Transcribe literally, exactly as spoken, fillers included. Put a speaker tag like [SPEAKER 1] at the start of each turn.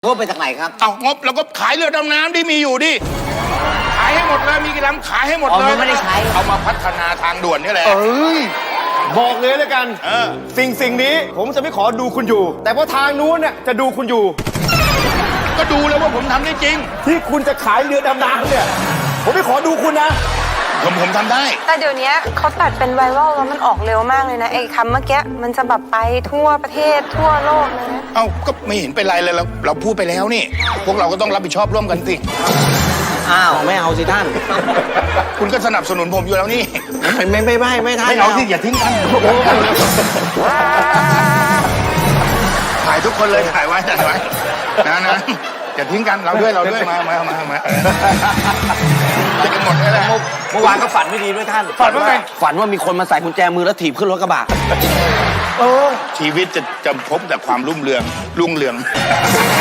[SPEAKER 1] งบไปจากไหนครับ
[SPEAKER 2] เอางบเราก็ขายเรือดำน้ำที่มีอยู่ดิขายให้หมดเลยมีกี่ลำขายให้หมดเลย
[SPEAKER 1] ไม่ได้ใช้
[SPEAKER 2] เอามาพัฒนาทางด่วนนี่แหละ
[SPEAKER 3] เอ้ยบอกเลยแล้วกันสิ่งสิ่งนี้ผมจะไม่ขอดูคุณอยู่ แต่พอทางนู้นเนี่ยจะดูคุณอยู่
[SPEAKER 2] ก็ดูแล้วว่าผมทำได้จริง
[SPEAKER 3] ที่คุณจะขายเรือดำน้ำเนี่ยผมไม่ขอดูคุณนะ
[SPEAKER 2] ผมผมทำได้
[SPEAKER 4] แต่เดี๋ยวนี้เขาตัดเป็นไวรัลแล้วมันออกเร็วมากเลยนะไอ้คำเมื่อกี้มันจะแบบไปทั่วประเทศทั่วโลกเลยนะ
[SPEAKER 2] เอ้าก็ไม่เห็นเป็นไรเลยเราเราพูดไปแล้วนี่พวกเราก็ต้องรับผิดชอบร่วมกันสิ
[SPEAKER 1] อ้าวไม่เอาสิท่าน
[SPEAKER 2] คุณก็สนับสนุนผมอยู่แล้วนี่
[SPEAKER 1] ไม่ไม่ไม่ไม่ไม่ท่าน
[SPEAKER 2] ไม่เอาสิอย่าทิ้งกันถ่ายทุกคนเลยถ่ายไว้ถ่ายไว้นะนะอย่าทิ้งกันเราด้วยเราด้วยมามามามาจะกันหมดเลยแหละ
[SPEAKER 1] เมื่อวานก็ฝันไม่ดีด้วยท่าน
[SPEAKER 2] ฝันว่าไง
[SPEAKER 1] ฝันว่ามีคนมาใส่กุญแจมือแล้วถีบขึ้นรถกระบะ
[SPEAKER 2] ชีวิตจะจะพบแต่ความรุ่งเรืองรุ่งเรือง